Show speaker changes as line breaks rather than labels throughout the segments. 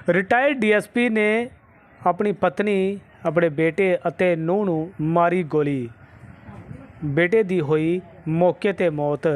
Retired DSP ਨੇ ਆਪਣੀ ਪਤਨੀ ਆਪਣੇ ਬੇਟੇ ਅਤੇ ਨੂੰਹ ਨੂੰ ਮਾਰੀ ਗੋਲੀ। ਬੇਟੇ ਦੀ ਹੋਈ ਮੌਕੇ ਤੇ ਮੌਤ,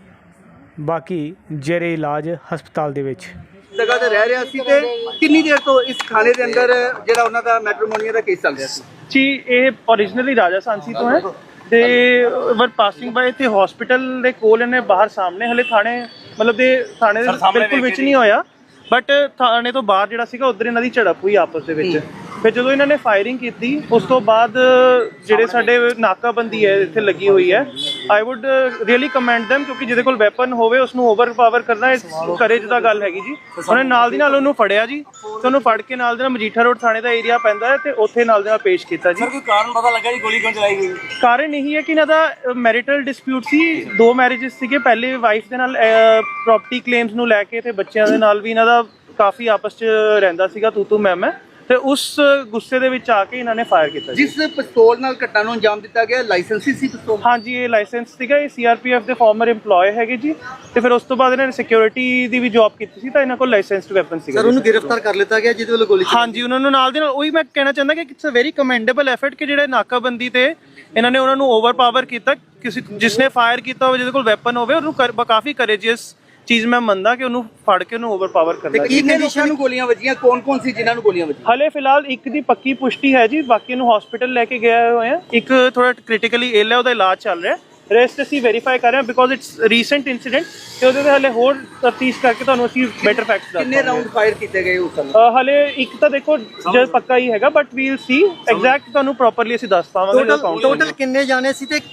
ਬਾਕੀ ਜੇਰੇ ਇਲਾਜ ਹਸਪਤਾਲ ਦੇ ਵਿੱਚ।
ਜਗ੍ਹਾ ਤੇ ਰਹਿ ਰਿਹਾ ਸੀ ਤੇ ਕਿੰਨੀ ਦੇਰ ਤੋਂ ਇਸ ਥਾਣੇ ਦੇ ਅੰਦਰ ਜਿਹੜਾ ਉਹਨਾਂ ਦਾ ਮੈਟਰੋਮੋਨੀਆ ਦਾ ਕੇਸ ਚੱਲ ਰਿਹਾ ਸੀ
ਜੀ। ਇਹ ओरिजिनली ਰਾਜਾ ਸਾਂਸੀ ਤੋਂ ਹੈ ਤੇ ਵਰ ਪਾਸਿੰਗ ਬਾਏ ਤੇ ਹਸਪੀਟਲ ਦੇ ਕੋਲ ਇਹਨੇ ਬਾਹਰ ਸਾਹਮਣੇ ਹਲੇ ਥਾਣੇ ਮਤਲਬ ਦੇ ਥਾਣੇ ਦੇ ਬਿਲਕੁਲ ਵਿੱਚ ਨਹੀਂ ਹੋਇਆ, ਬਟ ਥਾਣੇ ਤੋਂ ਬਾਹਰ ਜਿਹੜਾ ਸੀਗਾ ਉਧਰ ਇਹਨਾਂ ਦੀ ਝੜਪ ਹੋਈ ਆਪਸ ਦੇ ਵਿੱਚ। ਫਿਰ ਜਦੋਂ ਇਹਨਾਂ ਨੇ ਫਾਇਰਿੰਗ ਕੀਤੀ ਉਸ ਤੋਂ ਬਾਅਦ ਜਿਹੜੇ ਸਾਡੇ ਨਾਕਾਬੰਦੀ ਹੈ ਇੱਥੇ ਲੱਗੀ ਹੋਈ ਹੈ, I would really commend them, ਕਿਉਂਕਿ ਜਿਹਦੇ ਕੋਲ ਵੈਪਨ ਹੋਵੇ ਉਸ ਨੂੰ ਓਵਰਪਾਵਰ ਕਰਨਾ ਕਰੇਜ ਦਾ ਗੱਲ ਹੈਗੀ ਜੀ। ਉਹਨੇ ਨਾਲ ਦੀ ਨਾਲ ਉਹਨੂੰ ਫੜਿਆ ਜੀ ਤੇ ਉਹਨੂੰ ਫੜ ਕੇ ਨਾਲ ਦੇ ਨਾਲ ਮਜੀਠਾ ਰੋਡ ਥਾਣੇ ਦਾ ਏਰੀਆ ਪੈਂਦਾ ਹੈ ਤੇ ਉੱਥੇ ਨਾਲ ਦੇ ਨਾਲ ਪੇਸ਼ ਕੀਤਾ ਜੀ।
ਕੋਈ ਕਾਰਨ ਪਤਾ ਲੱਗਾ ਜੀ ਗੋਲੀ ਕਿਉਂ ਚਲਾਈ ਗਈ?
ਕਾਰਨ ਇਹੀ ਹੈ ਕਿ ਇਹਨਾਂ ਦਾ ਮੈਰਿਟਲ ਡਿਸਪਿਊਟ ਸੀ, 2 ਮੈਰਿਜਸ ਸੀਗੇ। ਪਹਿਲੇ ਵਾਈਫ ਦੇ ਨਾਲ ਪ੍ਰੋਪਰਟੀ ਕਲੇਮਸ ਨੂੰ ਲੈ ਕੇ ਤੇ ਬੱਚਿਆਂ ਦੇ ਨਾਲ ਵੀ ਇਹਨਾਂ ਦਾ ਕਾਫੀ ਆਪਸ 'ਚ ਰਹਿੰਦਾ ਸੀਗਾ ਤੂੰ ਮੈਂ ਤੇ ਉਸ ਗੁੱਸੇ ਦੇ ਵਿੱਚ ਆ ਕੇ ਇਹਨਾਂ ਨੇ ਫਾਇਰ ਕੀਤਾ।
ਜਿਸ ਪਿਸਤੌਲ ਨਾਲ ਘਟਨਾ ਨੂੰ ਅੰਜਾਮ ਦਿੱਤਾ ਗਿਆ ਲਾਇਸੈਂਸੀ ਸੀ ਪਿਸਤੌਲ?
ਹਾਂਜੀ, ਇਹ ਲਾਇਸੈਂਸ ਸੀਗਾ। ਇਹ ਸੀਆਰਪੀਐਫ ਦੇ ਫਾਰਮਰ EMPLOYE ਹੈਗੇ ਜੀ ਤੇ ਫਿਰ ਉਸ ਤੋਂ ਬਾਅਦ ਇਹਨਾਂ ਨੇ ਸਿਕਿਉਰਿਟੀ ਦੀ ਵੀ ਜੌਬ ਕੀਤੀ ਸੀ ਤਾਂ ਇਹਨਾਂ ਕੋਲ ਲਾਇਸੈਂਸਡ ਵੈਪਨ ਸੀਗਾ।
ਸਰ ਉਹਨੂੰ ਗ੍ਰਿਫਤਾਰ ਕਰ ਲਿੱਤਾ ਗਿਆ ਜਿਹਦੇ ਵੱਲੋਂ ਗੋਲੀ?
ਹਾਂਜੀ, ਉਹਨਾਂ ਨੂੰ ਨਾਲ ਦੇ ਨਾਲ ਉਹੀ ਮੈਂ ਕਹਿਣਾ ਚਾਹੁੰਦਾ ਕਿ it's a very commendable effort ਕਿ ਜਿਹੜੇ ਨਾਕਾਬੰਦੀ ਤੇ ਇਹਨਾਂ ਨੇ ਉਹਨਾਂ ਨੂੰ ਓਵਰਪਾਵਰ ਕੀਤਾ। ਕਿਸੇ ਜਿਸਨੇ ਫਾਇਰ ਕੀਤਾ ਹੋਵੇ, ਜਿਹਦੇ ਕੋਲ ਵੈਪਨ ਹੋਵੇ, ਉਹਨੂੰ ਕਾਫੀ ਕਰੇਜੀਅਸ ਚੀਜ਼ ਮੈਂ ਮੰਨਦਾ ਕਿ ਉਹਨੂੰ ਫੜ ਕੇ ਉਹਨੂੰ ਓਵਰਪਾਵਰ ਕਰਨਾ।
ਕਿੰਨੇ ਲੋਕਾਂ ਨੂੰ ਗੋਲੀਆਂ ਵੱਜੀਆਂ? ਕੌਣ ਸੀ ਜਿਨ੍ਹਾਂ ਨੂੰ ਗੋਲੀਆਂ ਵੱਜੀਆਂ?
ਹਲੇ ਫਿਲਹਾਲ ਇੱਕ ਦੀ ਪੱਕੀ ਪੁਸ਼ਟੀ ਹੈ ਜੀ, ਬਾਕੀ ਨੂੰ ਹਸਪੀਟਲ ਲੈ ਕੇ ਗਏ ਹੋਏ ਆ। ਇੱਕ ਥੋੜਾ ਕ੍ਰਿਟੀਕਲੀ ਇਲ ਹੈ, ਉਹਦਾ ਇਲਾਜ ਚੱਲ ਰਿਹਾ। ਰੈਸਟ ਅਸੀਂ ਵੈਰੀਫਾਈ ਕਰ ਰਹੇ ਹਾਂ ਬਿਕੋਜ਼ ਇਟਸ ਰੀਸੈਂਟ ਇਨਸੀਡੈਂਟ ਤੇ ਉਹਦੇ ਤੇ ਹਲੇ ਹੋਰ ਤਫਤੀਸ਼ ਕਰਕੇ ਤੁਹਾਨੂੰ ਅਸੀਂ ਬੈਟਰ ਫੈਕਟਸ ਦੱਸਾਂਗੇ।
ਕਿੰਨੇ ਰਾਉਂਡ ਫਾਇਰ ਕੀਤੇ ਗਏ ਉਸ ਸਮੇਂ?
ਹਲੇ ਇੱਕ ਤਾਂ ਦੇਖੋ ਜੇ ਪੱਕਾ ਹੀ ਹੈਗਾ, ਬਟ ਵੀਲ ਸੀ ਐਗਜ਼ੈਕਟ ਤੁਹਾਨੂੰ ਪ੍ਰੋਪਰਲੀ ਅਸੀਂ ਦੱਸ ਪਾਵਾਂਗੇ।
ਟੋਟਲ ਕਿੰਨੇ ਜਾਣੇ ਸੀ ਤੇ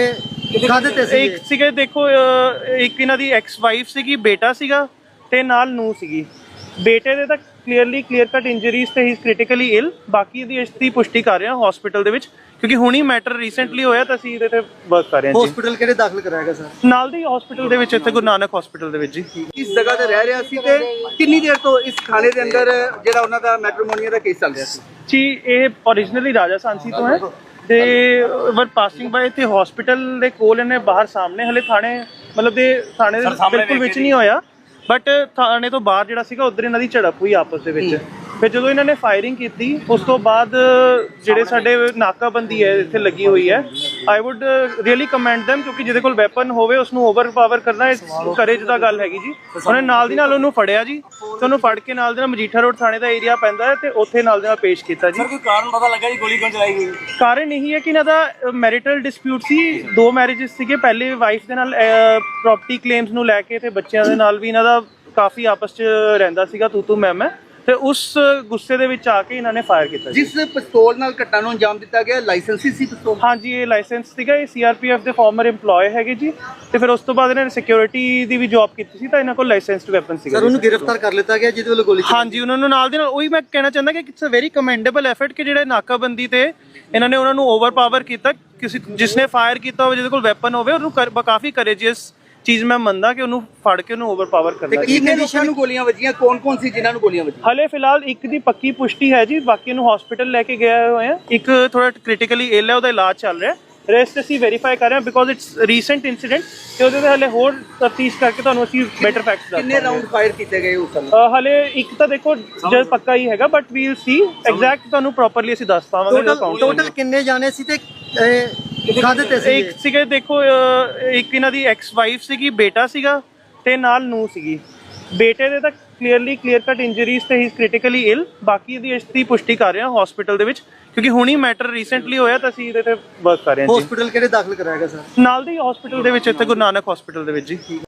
ਕਾਹਦੇ ਤੇ ਸੀ?
ਇੱਕ ਸੀਗੇ ਦੇਖੋ, ਇੱਕ ਇਹਨਾਂ ਦੀ ਐਕਸ ਵਾਈਫ ਸੀਗੀ, ਬੇਟਾ ਸੀਗਾ ਤੇ ਨਾਲ ਨੂੰਹ ਸੀਗੀ। ਬੇਟੇ ਦੇ ਤਾਂ ਕਲੀਅਰ ਕੱਟ ਇੰਜਰੀਜ਼ ਤੇ ਹੀ ਕ੍ਰਿਟੀਕਲੀ ਇਲ, ਬਾਕੀ ਦੀ ਇਸ ਦੀ ਪੁਸ਼ਟੀ ਕਰ ਰਹੇ ਹਾਂ ਹਸਪੀਟਲ ਦੇ ਵਿੱਚ ਕਿਉਂਕਿ ਹੁਣੀ ਮੈਟਰ ਰੀਸੈਂਟਲੀ ਹੋਇਆ ਤਾਂ ਅਸੀਂ ਇਹਦੇ ਤੇ ਵਰਕ ਕਰ ਰਹੇ ਹਾਂ ਜੀ।
ਹਸਪੀਟਲ ਕਿਹੜੇ ਦਾਖਲ ਕਰਾਇਆ ਸਰ?
ਨਾਲ ਦੀ ਹਸਪੀਟਲ ਦੇ ਵਿੱਚ, ਇੱਥੇ ਗੁਰੂ ਨਾਨਕ ਹਸਪੀਟਲ ਦੇ ਵਿੱਚ ਜੀ।
ਇਸ ਜਗ੍ਹਾ ਤੇ ਰਹਿ ਰਿਹਾ ਸੀ ਤੇ ਕਿੰਨੀ ਦੇਰ ਤੋਂ ਇਸ ਥਾਣੇ ਦੇ ਅੰਦਰ ਜਿਹੜਾ ਉਹਨਾਂ ਦਾ ਮੈਟਰੋਮੋਨੀਆ ਦਾ ਕੇਸ ਚੱਲ ਰਿਹਾ ਸੀ
ਜੀ। ਇਹ ओरिजिनली ਰਾਜਾ ਸਾਂਸੀ ਤੋਂ ਹੈ ਤੇ ਵਰ ਪਾਸਿੰਗ ਬਾਏ ਤੇ ਹਸਪੀਟਲ ਦੇ ਕੋਲ ਇਹਨੇ ਬਾਹਰ ਸਾਹਮਣੇ ਹਲੇ ਥਾਣੇ ਮਤਲਬ ਦੇ ਥਾਣੇ ਦੇ ਬਿਲਕੁਲ ਵਿੱਚ ਨਹੀਂ ਹੋਇਆ, ਬਟ ਥਾਣੇ ਤੋਂ ਬਾਹਰ ਜਿਹੜਾ ਸੀਗਾ ਉਧਰ ਇਹਨਾਂ ਦੀ ਝੜਪ ਹੋਈ ਆਪਸ ਦੇ ਵਿੱਚ। ਫਿਰ ਜਦੋਂ ਇਹਨਾਂ ਨੇ ਫਾਇਰਿੰਗ ਕੀਤੀ ਉਸ ਤੋਂ ਬਾਅਦ ਜਿਹੜੇ ਸਾਡੇ ਨਾਕਾਬੰਦੀ ਹੈ ਇੱਥੇ ਲੱਗੀ ਹੋਈ ਹੈ, I would really commend them, ਕਿਉਂਕਿ ਜਿਹਦੇ ਕੋਲ ਵੈਪਨ ਹੋਵੇ ਉਸ ਨੂੰ ਓਵਰਪਾਵਰ ਕਰਨਾ ਕਰੇਜ ਦਾ ਗੱਲ ਹੈਗੀ ਜੀ। ਉਹਨੇ ਨਾਲ ਦੀ ਨਾਲ ਉਹਨੂੰ ਫੜਿਆ ਜੀ ਤੇ ਉਹਨੂੰ ਫੜ ਕੇ ਨਾਲ ਦੇ ਨਾਲ ਮਜੀਠਾ ਰੋਡ ਥਾਣੇ ਦਾ ਏਰੀਆ ਪੈਂਦਾ ਹੈ ਤੇ ਉੱਥੇ ਨਾਲ ਦੇ ਨਾਲ ਪੇਸ਼ ਕੀਤਾ ਜੀ।
ਕੋਈ ਕਾਰਨ ਪਤਾ ਲੱਗਾ ਜੀ ਗੋਲੀ ਕਿਉਂ ਚਲਾਈ ਗਈ?
ਕਾਰਨ ਇਹੀ ਹੈ ਕਿ ਇਹਨਾਂ ਦਾ ਮੈਰਿਟਲ ਡਿਸਪਿਊਟ ਸੀ, 2 ਮੈਰਿਜਸ ਸੀਗੇ। ਪਹਿਲੇ ਵਾਈਫ ਦੇ ਨਾਲ ਪ੍ਰੋਪਰਟੀ ਕਲੇਮਸ ਨੂੰ ਲੈ ਕੇ ਤੇ ਬੱਚਿਆਂ ਦੇ ਨਾਲ ਵੀ ਇਹਨਾਂ ਦਾ ਕਾਫੀ ਆਪਸ 'ਚ ਰਹਿੰਦਾ ਸੀਗਾ ਤੂੰ ਮੈਂ ਤੇ ਉਸ ਗੁੱਸੇ ਦੇ ਵਿੱਚ ਆ ਕੇ ਇਹਨਾਂ ਨੇ ਫਾਇਰ ਕੀਤਾ।
ਜਿਸ ਪਿਸਤੌਲ ਨਾਲ ਘਟਨਾ ਨੂੰ ਅੰਜਾਮ ਦਿੱਤਾ ਗਿਆ ਲਾਇਸੈਂਸੀ ਸੀ ਪਿਸਤੌਲ? ਸੀਆਰਪੀਐਫ
ਇਹ ਲਾਇਸੈਂਸ ਸੀਗਾ। ਇਹ ਸੀਆਰਪੀਐਫ ਦੇ ਫਾਰਮਰ EMPLOYE ਹੈਗੇ ਜੀ ਤੇ ਫਿਰ ਉਸ ਤੋਂ ਬਾਅਦ ਇਹਨਾਂ ਨੇ ਸਿਕਿਉਰਿਟੀ ਦੀ ਵੀ ਜੌਬ ਕੀਤੀ ਸੀ ਤਾਂ ਇਹਨਾਂ ਕੋਲ ਲਾਇਸੈਂਸਡ ਵੈਪਨ ਸੀਗਾ।
ਸਰ ਉਹਨੂੰ ਗ੍ਰਿਫਤਾਰ ਕਰ ਲਿੱਤਾ ਗਿਆ ਜਿਹਦੇ ਵੱਲੋਂ ਗੋਲੀ?
ਹਾਂਜੀ, ਉਹਨਾਂ ਨੂੰ ਨਾਲ ਦੇ ਨਾਲ ਉਹੀ ਮੈਂ ਕਹਿਣਾ ਚਾਹੁੰਦਾ ਕਿ it's a very commendable effort ਕਿ ਜਿਹੜੇ ਨਾਕਾਬੰਦੀ ਤੇ ਇਹਨਾਂ ਨੇ ਉਹਨਾਂ ਨੂੰ ਓਵਰਪਾਵਰ ਕੀਤਾ। ਕਿਸੇ ਜਿਸਨੇ ਫਾਇਰ ਕੀਤਾ ਹੋਵੇ, ਜਿਹਦੇ ਕੋਲ ਵੈਪਨ ਹੋਵੇ, ਉਹਨੂੰ ਕਾਫੀ ਕਰੇਜੀਅਸ ਚੀਜ਼ ਮੈਂ ਮੰਨਦਾ ਕਿ ਉਹਨੂੰ ਫੜ ਕੇ ਉਹਨੂੰ ਓਵਰਪਾਵਰ ਕਰਨਾ।
ਕਿੰਨੇ ਲੋਕਾਂ ਨੂੰ ਗੋਲੀਆਂ ਵੱਜੀਆਂ? ਕੌਣ ਸੀ ਜਿਨ੍ਹਾਂ ਨੂੰ ਗੋਲੀਆਂ ਵੱਜੀਆਂ?
ਹਲੇ ਫਿਲਹਾਲ ਇੱਕ ਦੀ ਪੱਕੀ ਪੁਸ਼ਟੀ ਹੈ ਜੀ, ਬਾਕੀ ਨੂੰ ਹਸਪੀਟਲ ਲੈ ਕੇ ਗਏ ਹੋਏ ਆ। ਇੱਕ ਥੋੜਾ ਕ੍ਰਿਟੀਕਲੀ ਇਲ ਹੈ, ਉਹਦਾ ਇਲਾਜ ਚੱਲ ਰਿਹਾ। ਰੈਸਟ ਅਸੀਂ ਵੈਰੀਫਾਈ ਕਰ ਰਹੇ ਹਾਂ ਬਿਕੋਜ਼ ਇਟਸ ਰੀਸੈਂਟ ਇਨਸੀਡੈਂਟ ਤੇ ਉਹਦੇ ਤੇ ਹਲੇ ਹੋਰ ਤਫਤੀਸ਼ ਕਰਕੇ ਤੁਹਾਨੂੰ ਅਸੀਂ ਬੈਟਰ ਫੈਕਟਸ ਦੱਸਾਂਗੇ।
ਕਿੰਨੇ ਰਾਉਂਡ ਫਾਇਰ ਕੀਤੇ ਗਏ ਉਸ ਸਮੇਂ?
ਹਲੇ ਇੱਕ ਤਾਂ ਦੇਖੋ ਜੇ ਪੱਕਾ ਹੀ ਹੈਗਾ, ਬਟ ਵੀਲ ਸੀ ਐਗਜ਼ੈਕਟ ਤੁਹਾਨੂੰ ਪ੍ਰੋਪਰਲੀ ਅਸੀਂ ਦੱਸ ਪਾਵਾਂਗੇ।
ਟੋਟਲ ਕਿੰਨੇ ਜਾਣੇ ਸੀ ਤੇ ਕਾਹਦੇ ਤੇ ਸੀ?
ਇੱਕ ਸੀਗੇ ਦੇਖੋ, ਇੱਕ ਇਹਨਾਂ ਦੀ ਐਕਸ ਵਾਈਫ ਸੀਗੀ, ਬੇਟਾ ਸੀਗਾ ਤੇ ਨਾਲ ਨੂੰਹ ਸੀਗੀ। ਬੇਟੇ ਦੇ ਤਾਂ ਕਲੀਅਰ ਕੱਟ ਇੰਜਰੀਜ਼ ਤੇ ਹੀ ਕ੍ਰਿਟੀਕਲੀ ਇਲ, ਬਾਕੀ ਦੀ ਇਸ ਦੀ ਪੁਸ਼ਟੀ ਕਰ ਰਹੇ ਹਾਂ ਹਸਪੀਟਲ ਦੇ ਵਿੱਚ ਕਿਉਂਕਿ ਹੁਣੀ ਮੈਟਰ ਰੀਸੈਂਟਲੀ ਹੋਇਆ ਤਾਂ ਅਸੀਂ ਇਹਦੇ ਤੇ ਵਰਕ ਕਰ ਰਹੇ ਹਾਂ ਜੀ।
ਹਸਪੀਟਲ ਕਿਹੜੇ ਦਾਖਲ ਕਰਾਇਆ ਸਰ?
ਨਾਲ ਦੀ ਹਸਪੀਟਲ ਦੇ ਵਿੱਚ, ਇੱਥੇ ਗੁਰੂ ਨਾਨਕ ਹਸਪੀਟਲ ਦੇ ਵਿੱਚ ਜੀ।